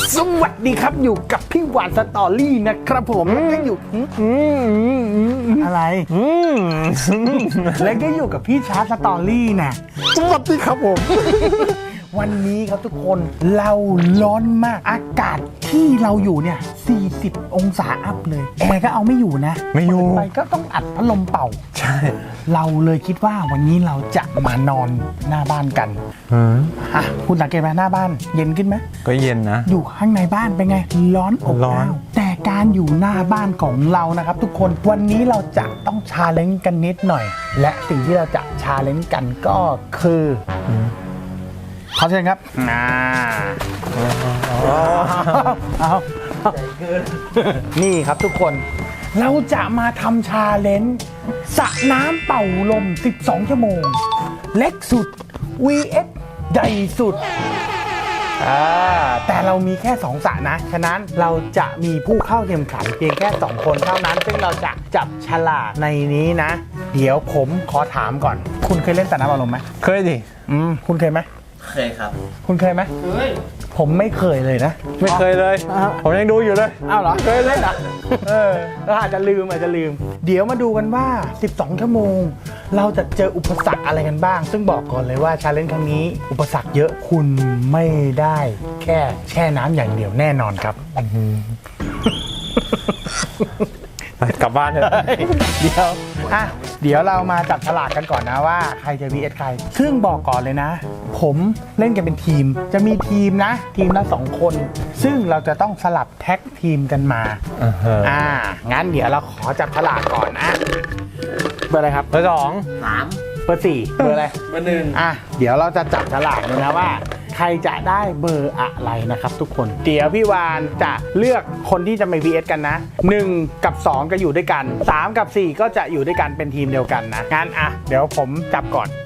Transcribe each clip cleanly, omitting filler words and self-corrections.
สวัสดีครับอยู่กับพี่หวานสตอรี่นะครับผมแล้วก็อยู่อะไรแล้วก็อยู่กับพี่ชาร์ตสตอรี่นะสวัสดีครับผม วันนี้ครับทุกคนเราร้อนมากอากาศที่เราอยู่เนี่ย40 องศาอัพเลยแอร์ก็เอาไม่อยู่นะไม่อยู่ไปก็ต้องอัดพัดลมเป่าใช่เราเลยคิดว่าวันนี้เราจะมานอนหน้าบ้านกันคุณสังเกตไหมหน้าบ้านเย็นขึ้นไหมก็เย็นนะอยู่ข้างในบ้านเป็นไงร้อนอบอ้าวแต่การอยู่หน้าบ้านของเรานะครับทุกคนวันนี้เราจะต้องชาเลนจ์กันนิดหน่อยและสิ่งที่เราจะชาเลนจ์กันก็คือขอเชิญครับนี่ครับทุกคนเราจะมาทำชาเลนจ์สระน้ำเป่าลม12 ชั่วโมงเล็กสุด vs ใหญ่สุดแต่เรามีแค่2สระนะฉะนั้นเราจะมีผู้เข้าแข่งขันเพียงแค่2คนเท่านั้นซึ่งเราจะจับฉลากในนี้นะเดี๋ยวผมขอถามก่อนคุณเคยเล่นสระน้ำเป่าลมไหมเคยดิคุณเคยไหมเคยครับคุณเคยไหมเคยผมไม่เคยเลยนะไม่เคยเลยผมยังดูอยู่เลยอ้าวเหรอเคยเล่นอ่ะอาจจะลืมเดี๋ยวมาดูกันว่า12 ชั่วโมงเราจะเจออุปสรรคอะไรกันบ้างซึ่งบอกก่อนเลยว่าชาเลนจ์ครั้งนี้อุปสรรคเยอะคุณไม่ได้แค่แช่น้ำอย่างเดียวแน่นอนครับกลับบ้านเถอะเดี๋ยวเรามาจับฉลากกันก่อนนะว่าใครจะ vs ใครซึ่งบอกก่อนเลยนะผมเล่นกันเป็นทีมจะมีทีมนะทีมละ2 คนซึ่งเราจะต้องสลับแท็กทีมกันมางั้นเดี๋ยวเราขอจับฉลากก่อนนะเบอร์อะไรครับเบอร์ 2 3 เบอร์ 4เบอร์อะไรเบอร์ 1 เดี๋ยวเราจะจับฉลากเลยนะว่าใครจะได้เบอร์อะไรนะครับทุกคนเดี๋ยวพี่วานจะเลือกคนที่จะมา vs กันนะ1กับ2ก็อยู่ด้วยกัน3กับ4ก็จะอยู่ด้วยกันเป็นทีมเดียวกันนะงั้นเดี๋ยวผมจับก่อน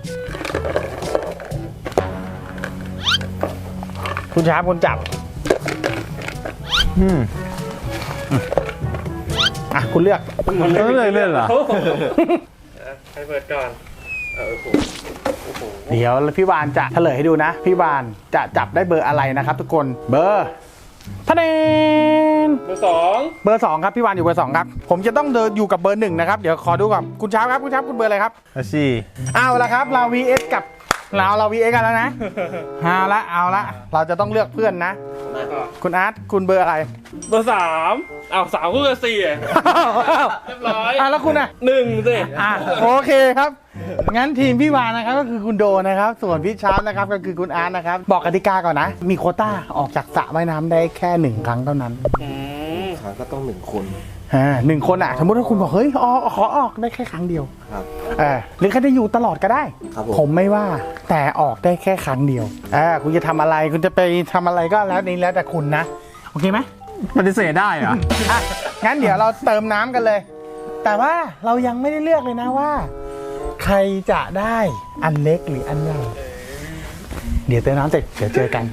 คุณช้าคุณจับคุณเลือกเล่นเหรอใครเปิดก่อนเดี๋ยวพี่วานจะเฉลยให้ดูนะพี่วานจะจับได้เบอร์อะไรนะครับทุกคนเบอร์ทะเนนเบอร์ 2 เบอร์ 2ครับพี่วานอยู่เบอร์ 2ครับผมจะต้องเดินอยู่กับเบอร์ 1นะครับเดี๋ยวขอดูก่อนคุณช้าครับคุณช้าคุณเบอร์อะไรครับ 4 เอาละครับเรา vs กับเรา vs กันแล้วนะเอาละเราจะต้องเลือกเพื่อนนะคุณอาร์ตคุณเบอร์อะไรเบอร์ 33ก็เบอร์4เรียบร้อยแล้วคุณ 1สิโอเคครับงั้นทีมพี่วานนะครับก็คือคุณโดนะครับส่วนพี่ชาร์ปนะครับก็คือคุณอาร์ตนะครับบอกกติกาก่อนนะมีโควต้าออกจากสระว่ายน้ำได้แค่1 ครั้งเท่านั้นครั้งก็ต้อง1 คน 1 คนสมมติว่าคุณบอกเฮ้ยขอออกได้แค่ครั้งเดียวครับหรือแค่จะอยู่ตลอดก็ได้ผมไม่ว่าแต่ออกได้แค่ครั้งเดียวคุณจะทำอะไรคุณจะไปทำอะไรก็แล้วนี้แล้วแต่คุณนะโอเคไหมปฏิเสธได้เหรองั้นเดี๋ยวเราเติมน้ำกันเลยแต่ว่าเรายังไม่ได้เลือกเลยนะว่าใครจะได้อันเล็กหรืออันใหญ่เดี๋ยวเติมน้ำเสร็จเดี๋ยวเจอกัน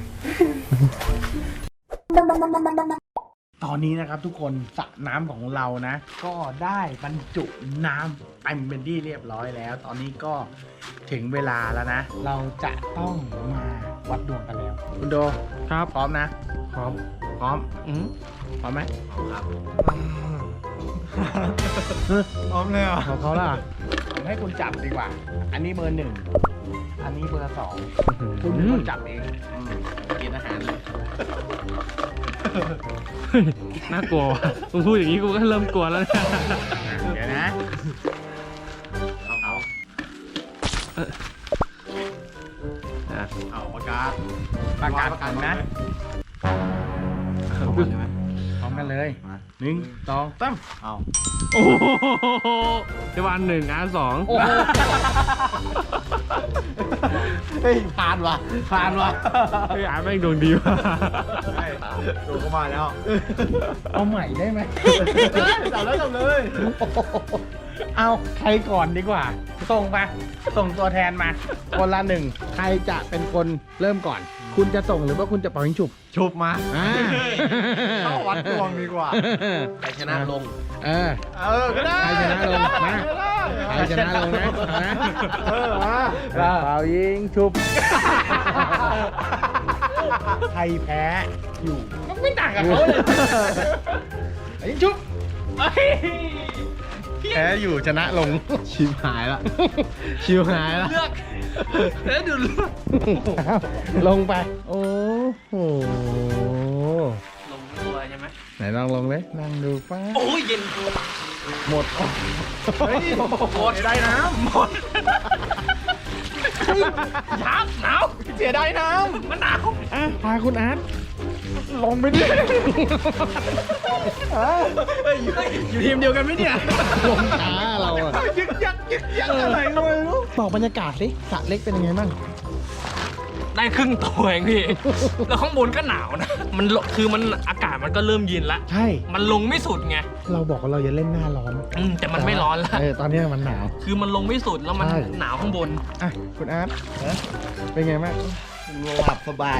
ตอนนี้นะครับทุกคนสระน้ำของเรานะก็ได้บรรจุน้ำเต็มเป็นที่เรียบร้อยแล้วตอนนี้ก็ถึงเวลาแล้วนะเราจะต้องมาวัดดวงกันแล้วคุณโดครับพร้อมนะพร้อมพร้อมไหมครับพร้อมเลยเขาล่ะผมให้คุณจับดีกว่าอันนี้เบอร์ 1อันนี้เบอร์ 2คุณเป็นคนจับเองกินอาหารเลยน่ากลัวมึงพูดอย่างนี้กูก็เริ่มกลัวแล้วเนี่ยเดี๋ยวนะเอาประกาศกันนะพร้อมกันเลย1 2 3เอาโอ้โหจะวัน1อาร์2 เฮ้ยผ่านว่ะเฮ้ยอาร์แม่งดวงดีว่ะดูเข้ามาแล้วเอาใหม่ได้ไหมจับเลยเอาใครก่อนดีกว่าส่งตัวแทนมาคนละ 1ใครจะเป็นคนเริ่มก่อนคุณจะส่งหรือว่าคุณจะปล่อยยิงฉุบมาเข้าวัดดวงดีกว่าใครชนะลงก็ได้ใครชนะลงมาใครชนะลงนะมาเป่ายิงฉุบใครแพ้อยู่ไม่ต่างกับเขาเลยไอ้ชุบแพ้อยู่ชนะลงชิวหายละ ชิวหายละเลือกแล้วดูเลือกลงไป โอ้โหลงตัวใช่ไหมไหนลองลงเลยนั่งดูป้าโอ้ยเย็นหมดเฮ้ยหมดได้น้ำหมดยับหนาวเสียดายน้มันหนาวำอ่ะพาคุณอาร์ตลงไปดิอยู่ทีมเดียวกันไหมเนี่ยลงช้าเราอะยึกยักอะไรก็ไม่รู้บอกบรรยากาศสิสระเล็กเป็นยังไงบ้างได้ครึ่งตัวเองพี่ แล้วข้างบนก็หนาวนะ มันคือมันอากาศมันก็เริ่มเย็นละใช่มันลงไม่สุดไงเราบอกว่าเราจะเล่นหน้าร้อนแต่มันไม่ร้อนละตอนนี้มันหนาวคือมันลงไม่สุดแล้วมันใช่หนาวข้างบนอ่ะคุณอาร์ตเป็นไงบ้างหลับสบาย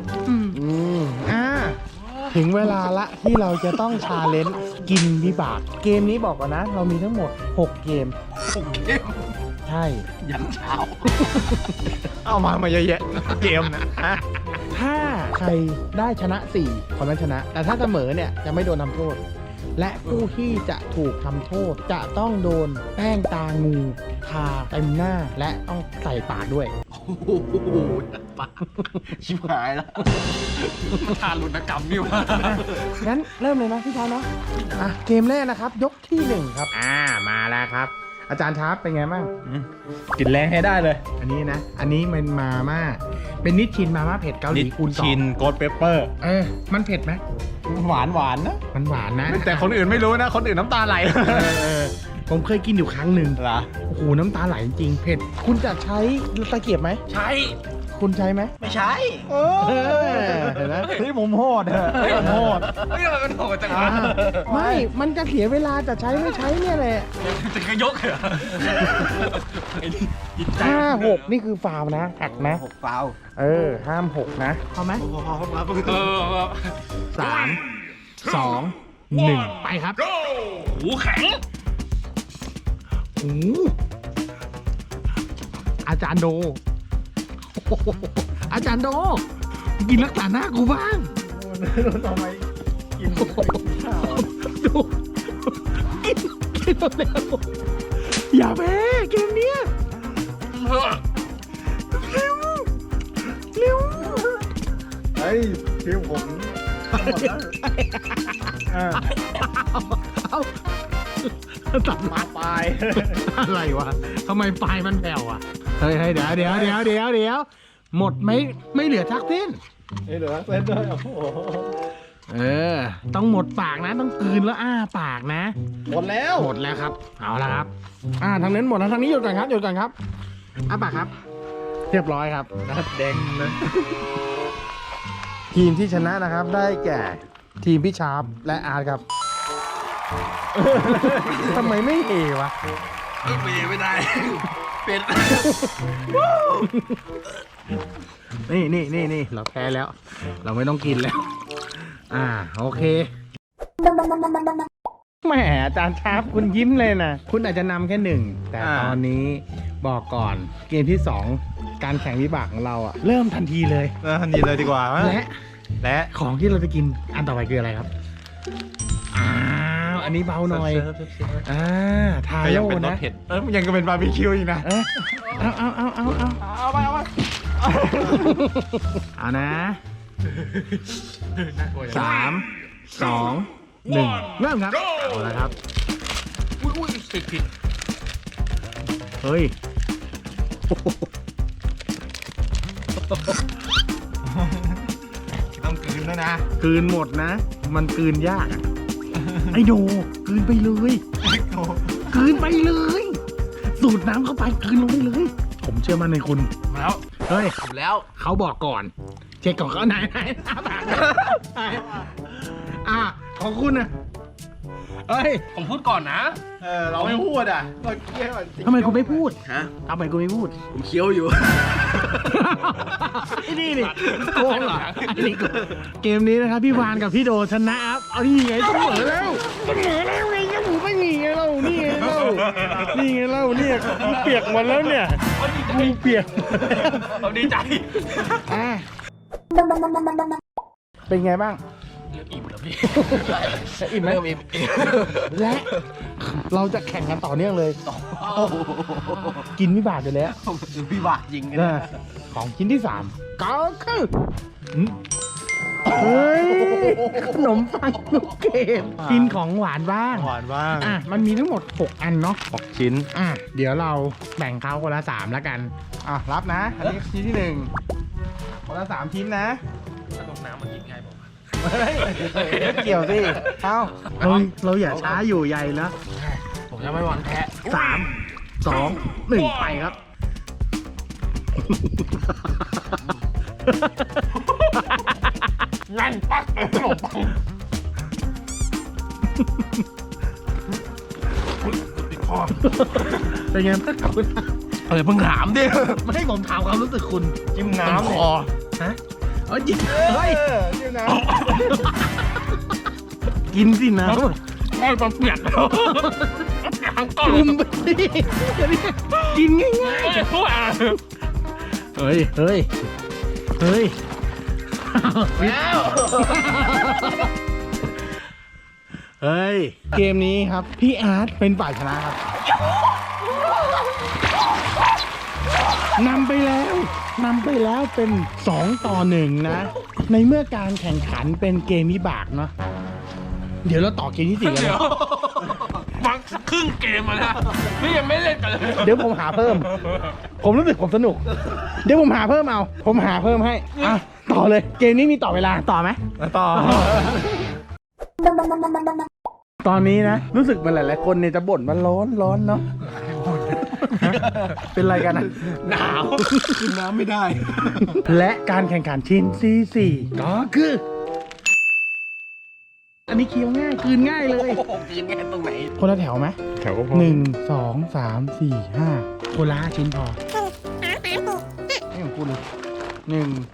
ถึงเวลาละที่เราจะต้องชาเลนจ์กินวิบาก เกมนี้บอกก่อนนะ เรามีทั้งหมด 6 เกม ใช่ยันเช้าเอามาเยอะแยะเกมนะถ้าใครได้ชนะ4คนนั้นชนะ แต่ถ้าเสมอเนี่ยจะไม่โดนทำโทษ และผู้ที่จะถูกทำโทษจะต้องโดนแป้งตางูทาเต็มหน้าและต้องใส่ปากด้วยโอ้โหปะชิบหายละทารุณกรรมนี่วะงั้นเริ่มเลยนะพี่ชายเนาะอ่ะเกมแรกนะครับ ยกที่ 1 ครับ มาแล้วครับ อาจารย์ชาร์ปเป็นไงบ้างกินแรงให้ได้เลยอันนี้นะ อันนี้มันมาม่าเป็นนิชชินมาม่าเผ็ดเกาหลีคูณสองชินโกดเปเปอร์มันเผ็ดไหมหวานหวานนะมันหวานนะแต่คนอื่นไม่รู้นะ คนอื่นน้ำตาไหลผมเคยกินอยู่ครั้งหนึ่งเหรอโอ้โหน้ำตาไหลจริงเผ็ด คุณจะใช้ตะเกียบไหมใช่คุณใช้ไหมไม่ใช่เห็นไหมเฮ้ยผมโหดเถอะผมโหดเฮ้ยมันโหดจังอ่าวะไม่ มันจะเสียเวลาจะใช้ไม่ใช้เนี่ยแหละจะกระยกเหรอไอ้นี่จิตใจ 5-6 นี่คือฟาวล์นะหักนะ 6 ฟาวห้าม 6 นะเอาไหมเออ 3 2 1 ไปครับหูแข็งโอ้โหอาจารย์โดโอ้โหอาจารย์โด กินรักษาหน้ากูบ้างทำไมกินข้าวดูกินเร็วอย่าแพ้เกมเนี้ยเร็วเร็วเฮ้ยทีมผมเอาตัดมาปลายอะไรวะทำไมปลายมันแผ่วอ่ะเฮ้ยเดี๋ยวหมดไม่เหลือทักเส้นเหลือเส้นด้วยโอ้โหต้องหมดปากนะ ต้องกลืนแล้วอ้าปากนะหมดแล้วหมดแล้วครับ เอาละครับ ทางนั้นหมดแล้วทางนี้หยุดก่อนครับอ้าปากครับ เรียบร้อยครับนัดแดงนะทีมที่ชนะนะครับ ได้แก่ทีมพี่ชาร์ปและอาร์ตครับ ทำไมไม่เอวะไม่ได้ เป็นนี่เราแพ้แล้ว เราไม่ต้องกินแล้ว โอเคแหมอาจารย์ชาร์ปคุณยิ้มเลยนะ คุณอาจจะนำแค่ 1 แต่ตอนนี้บอกก่อนเกมที่ 2 การแข่งวิบากของเราอะเริ่มทันทีเลยทันทีเลยดีกว่า และของที่เราจะกินอันต่อไปคืออะไรครับ อันนี้เบาหน่อย ทาก็ยังโร่เป็นรสนะเผ็ดยังก็เป็นบาร์บีคิวอีกนะเอาไปเอานะ3 2 1 เริ่มครับ เอาละครับอุ้ยผิดเฮ้ยต้องกลืนด้วยนะกลืนหมดนะ มันกลืนยากอะไอโดกลืนไปเลยกลืนไปเลย สูดน้ำเข้าไปกลืนลงไปเลย ผมเชื่อมั่นในคุณมาแล้วเฮ้ยถูกแล้วเขาบอกก่อน เช็คก่อนเขาไหนของคุณนะเฮ้ยผมพูดก่อนนะเราไม่พูดอ่ะเราเคี้ยวทำไมคุณไม่พูดฮะทำไมคุณไม่พูดผมเคี้ยวอยู่ไอ้นี่โกงเหรอไอ้นี่โกงเกมนี้นะครับพี่วานกับพี่โดชนะครับ เอานี่ไงเสมอแล้วไงก็หมูไม่มีไงเรานี่ไงเราเนี่ยกูเปียกหมดแล้วเนี่ยกูเปียกเราดีใจอ่ะเป็นไงบ้างเริ่มอิ่มแล้วพี่อิ่มไหมเริ่มอิ่มและเราจะแข่งกันต่อเนื่องเลย กินวิบากไปแล้วพี่บาทยิงกันนะของชิ้นที่ 3 ก็คือเฮ้ยขนมปังลูกเกดกินของหวานบ้างหวานบ้างอ่ะมันมีทั้งหมด 6 อันเนาะ 6 ชิ้นอ่ะเดี๋ยวเราแบ่งเขาคนละ 3 แล้วกันอ่ะรับนะ อันนี้ชิ้นที่ 1 คนละ 3 ชิ้นนะขนมน้ำมันกินง่ายบอกเฮ้ยไม่เกี่ยวสิเอ้าเราอย่าช้าอยู่ใหญ่แล้วผมจะไม่หวังแพ้ 3 2 1 ไปครับนั่นปักเลยขนมปังเป็นไงบ้างครับคุณเพิ่งถามดิไม่ให้ผมถามความรู้สึกคุณจิ้มน้ำคอฮะเอ้ยเฮ้ยจิ้มน้ำกินสินะไม่ต้องเปียกแล้วทั้งก้อนจุ่มไปดิกินง่ายไม่พูดอ่ะๆเฮ้ยเฮ้ยเฮ้ยแล้วเฮ้ยเกมนี้ครับพี่อาร์ตเป็นฝ่ายชนะครับนำไปแล้วเป็น2 ต่อ 1นะในเมื่อการแข่งขันเป็นเกมวิบากเนาะเดี๋ยวเราต่อเกมที่ 4กันเดี๋เลยวย มังครึ่งเกมมาแล้วพี่ยังไม่เล่นกันเลยเดี๋ยวผมหาเพิ่ม ผมรู้สึกผมสนุก เดี๋ยวผมหาเพิ่มเอา ผมหาเพิ่มให้อ่ะต่อเลย เกมนี้มีต่อเวลา ต่อไหมต่อตอนนี้นะ รู้สึกเหมือนหลายๆคนเนี่ยจะบ่นว่าร้อนเนาะ เป็นไรกันนะหนาวกินน้ำไม่ได้และการแข่งขันชิ้นที่4ก็คือ อันนี้เคี้ยวง่ายคืนง่ายเลยกินแค่ตรงไหนคนละแถวไหมแถวก็พอ 1 2 3 4 5คนละ5ชิ้นพอนี่ของคุณ1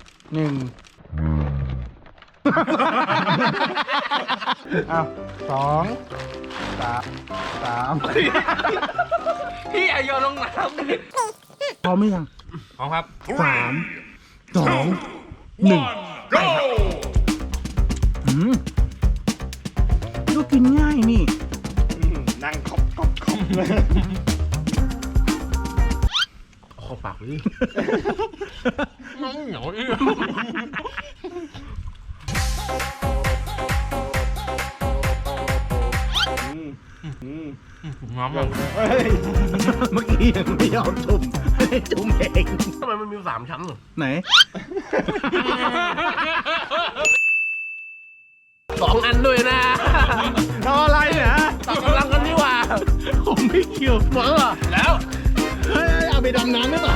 เอา2 3 พี่อย่าโยนลงน้ำพร้อมหรือยังพร้อมครับ 3 2 1ก็กินง่ายนี่นั่งคอบเลยขอปากเลยน้องเหนียวอีกน้ำแบบเมื่อกี้ยังไม่ยอมจุ่มจุ่มเองทำไมมันมี3 ชั้นเหรอไหน 2 อันด้วยนะรออะไรเนี่ยต่อกำลังกันดีกว่าผมไม่เกี่ยวหมดแล้วเหรอแล้วเฮ้ยเอาไปดำน้ำหรือเปล่า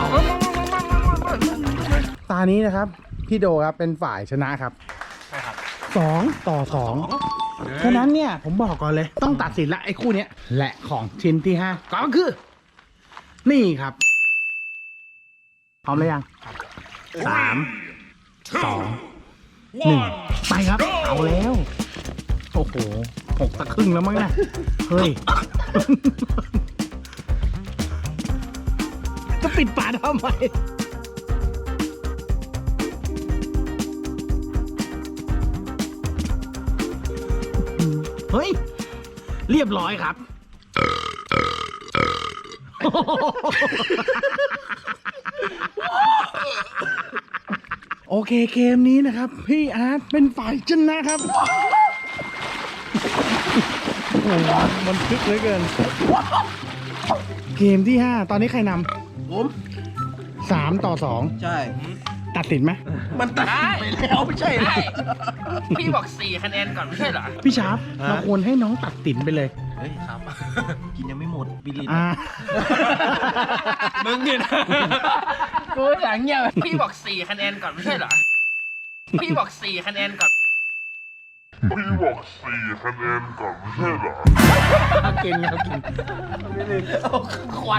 ตานี้นะครับ พี่โดครับเป็นฝ่ายชนะครับใช่ครับ 2 ต่อ 2 ฉะนั้นเนี่ยผมบอกก่อนเลย ต้องตัดสินละไอ้คู่เนี้ยและของชิ้นที่ 5 ก็คือ นี่ครับ พร้อมหรือยัง3 2 1 ไปครับ เอาแล้ว โอ้โห6 สักครึ่งแล้วมั้งนะเฮ้ย จะปิดฝาทำไม เฮ้ย เรียบร้อยครับ โอเคเกมนี้นะครับ พี่อาร์ตเป็นฝ่ายชนะครับ โอ้โหมันคึกเหลือเกิน เกมที่ 5 ตอนนี้ใครนผมำ3 ต่อใช่ 2 ตัดสินไหมมันตัดไปแล้วไม่ใช่เหรอพี่บอก4 คะแนนก่อนไม่ใช่เหรอพี่ชาร์ปเราควรให้น้องตัดสินไปเลยเฮ้ยครับ กินยังไม่หมดบิลินอ่ามึงเนี่ยนะกูหลังเงี้ยพี่บอก4 คะแนนก่อนไม่ใช่เหรอ พี่บอก4 คะแนนก่อนพี่บอก4 คะแนนก่อนไม่ใช่เหรอเก่งครับเก่งขวัญ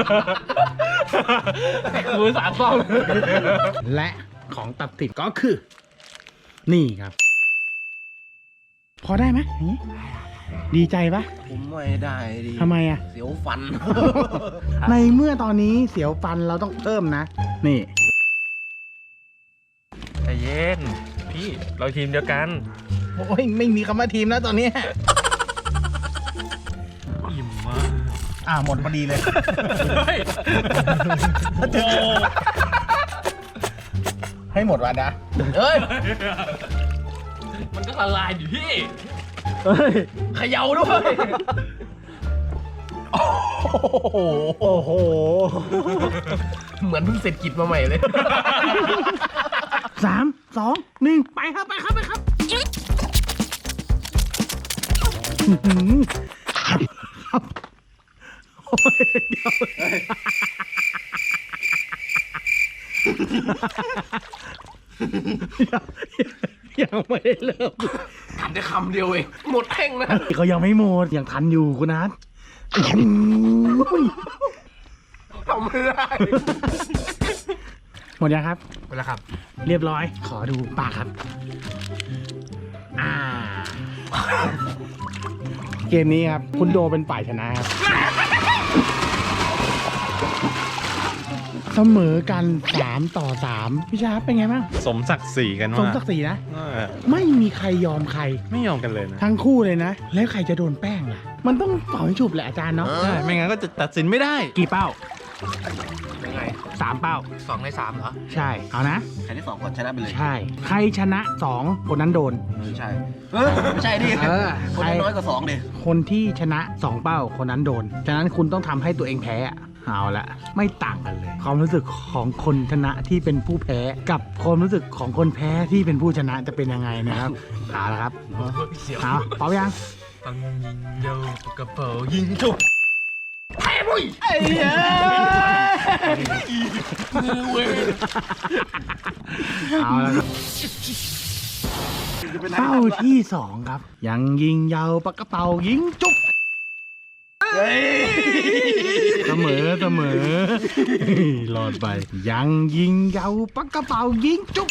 กูสารซ่อมและของตัดสินก็คือ นี่ครับ พอได้ไหมอย่างนี้ดีใจปะผมไม่ได้ดิทำไมอ่ะเสียวฟันในเมื่อตอนนี้เสียวฟันเราต้องเพิ่มนะ นี่ใจเย็น พี่พี่เราทีมเดียวกันโอ้ยไม่มีคำว่าทีมแล้วตอนนี้อิ่มมากหมดพอดีเลยเฮ้ยโอ้โหให้หมดวันนะเฮ้ยมันก็ละลายอยู่พี่เขย่าด้วยโอ้โหเหมือนเพิ่งเสร็จกิจมาใหม่เลย 3 2 1 ไปครับ ไปครับ ไปครับอื้อหือครับโอ้ยเดี๋ยวยังไม่ได้เริ่มทำได้คำเดียวเอง หมดแข่งนะเขายังไม่หมดยังทันอยู่คุณนัทอื้อหือทำไม่ได้หมดยังครับไปแล้วครับเรียบร้อย ขอดูปากครับ เกมนี้ครับ คุณโดเป็นฝ่ายชนะครับ เสมอกัน3 ต่อ 3พี่ชาร์ปเป็นไงบ้างสมศักดิ์ศรีกันสมว่าศักดิ์ศรีนะ ไม่มีใครยอมใครไม่ยอมกันเลยนะทั้งคู่เลยนะ แล้วใครจะโดนแป้งล่ะ มันต้องเป่าให้ฉุบแหละอาจารย์เนาะใช่ ไม่งั้นก็จะตัดสินไม่ได้กี่เป้ายังไง 3 เป้า 2 ใน 3เหรอใช่ เอานะใครที่2ก่อนชนะไปเลยใช่ ใครชนะ 2 คนนั้นโดนใช่ไม่ใช่ดิเออคนที่น้อยกว่า2ดิคนที่ชนะ 2 เป้าคนนั้นโดน ฉะนั้นคุณต้องทำให้ตัวเองแพ้อะเอาละไม่ต่างกันเลย ความรู้สึกของคนชนะที่เป็นผู้แพ้ กับความรู้สึกของคนแพ้ที่เป็นผู้ชนะจะเป็นยังไงนะครับ เอาละครับเอาพร้อมยังปังยิงโยกระเป๋ายิงจุกเอาละครับเป้าที่ 2 ครับ ยังยิงยาวปากกระเป๋ายิงจุกเสมอรอดไป ยังยิงยาวปากกระเป๋ายิงจุก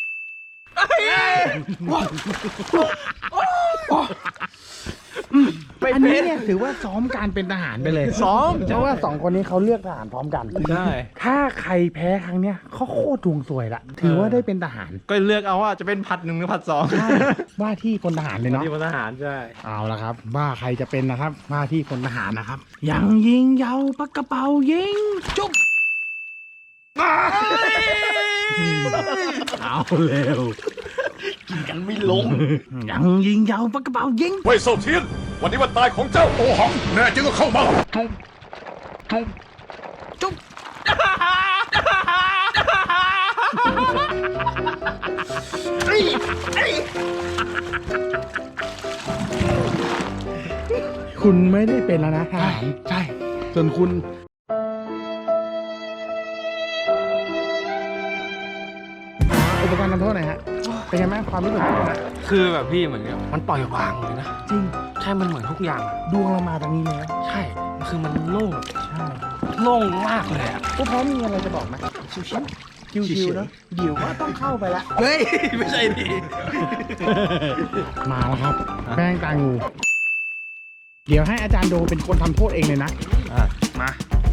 อันนี้เนี่ยถือว่าซ้อมการเป็นทหารไปเลยซ้อมเพราะว่า2 คนนี้เขาเลือกทหารพร้อมกันใช่ถ้าใครแพ้ครั้งเนี้ยเขาโคตรดวงสวยละถือว่าได้เป็นทหารก็เลือกเอาว่าจะเป็นผัด 1 หรือผัด 2 ว่าที่พลทหารเลยเนาะที่พลทหารใช่เอาละครับ ว่าใครจะเป็นนะครับว่าที่พลทหารนะครับ ยังยิงยาวปากกระเป๋ายิงจุ๊บเอาเร็วกินกันไม่ลงยังยิงยาวปากกระเป๋ายิงเว่ยเซาเทียน วันนี้วันตายของเจ้าโอหัง แน่จริงก็เข้ามาจุ๊บคุณไม่ได้เป็นแล้วนะทหารใช่ส่วนคุณอุปกรณ์ทำโทษหน่อยฮะเป็นไงบ้างความรู้สึกคุณนะคือแบบพี่เหมือนกับมันปล่อยวางเลยนะจริงใช่ มันเหมือนทุกอย่างอะดวงเรามาตรงนี้แล้วใช่ คือมันโล่งใช่โล่งมากเลยอะพวกพร้อมมีอะไรจะบอกไหมชิวๆเนอะเดี๋ยวก็ต้องเข้าไปละเฮ้ย ไม่ใช่ดิมาแล้วครับ แป้งตางู เดี๋ยวให้อาจารย์โดเป็นคนทำโทษเองเลยนะมา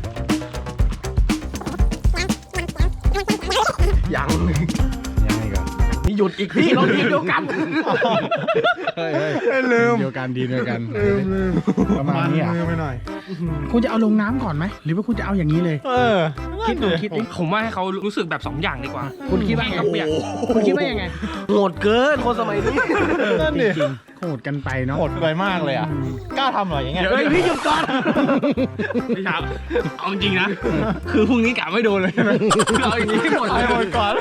ยังยังไงก่อนนี่หยุดอีกพี่เราทีมเดียวกันเฮ้ยลืมเดียวกันดีเดียวกันลืมประมาณนี้อ่ะไปหน่อยคุณจะเอาลงน้ำก่อนไหมหรือว่าคุณจะเอาอย่างนี้เลยคิดดูคิดดิผมว่าให้เขารู้สึกแบบ 2 อย่างดีกว่าคุณคิดว่าไงคุณคิดว่ายังไงโหดเกินคนสมัยนี้จริงๆโหดกันไปเนาะโหดไปมากเลยอ่ะ กล้าทำเหรออย่างเงี้ยเฮ้ยพี่หยุดก่อนพี่ครับเอาจริงนะ คือพรุ่งนี้กะไม่โดนเลยนะคือเอาอย่างนี้ให้หมดเลยหมดก่อน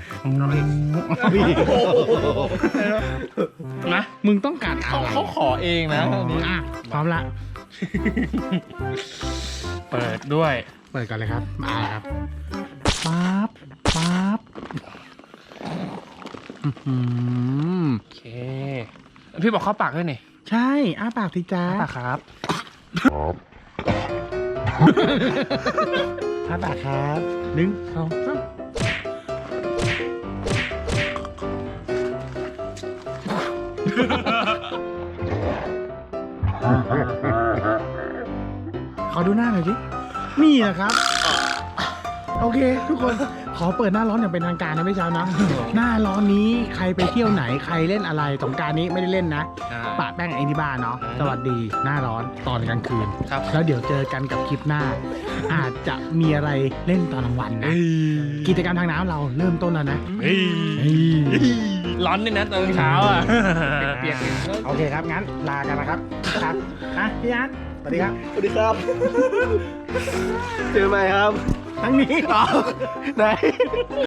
นะมึงต้องการอะไรเขาขอเองนะอันนี้อ่ะพร้อมละเปิดด้วยเปิดกันเลยครับมาครับปั๊บปั๊บอื้อหือโอเค พี่บอกเข้าปากด้วยนี่ใช่อ้าปากสิจ้าปากครับอ้าปากครับ1 2 3ขอดูหน้าหน่อยสินี่นะครับโอเค ทุกคนขอเปิดหน้าร้อนอย่างเป็นทางการนะพี่เช้านะ หน้าร้อนนี้ใครไปเที่ยวไหนใครเล่นอะไรสงกรานต์นี้ไม่ได้เล่นนะปะแป้งไอ้ที่บ้านเนาะสวัสดีหน้าร้อนตอนกลางคืนครับแล้วเดี๋ยวเจอกันกับคลิปหน้า อาจจะมีอะไรเล่นตอนกลางวันนะกิจกรรมทางน้ำเราเริ่มต้นแล้วนะร้อนด้วยนะตอนเช้าอ่ะเปียกโอเคครับงั้นลากันนะครับครับอ่ะพี่อาร์ตสวัสดีครับสวัสดีครับ เจอไหมครับทั้งนี้ไหน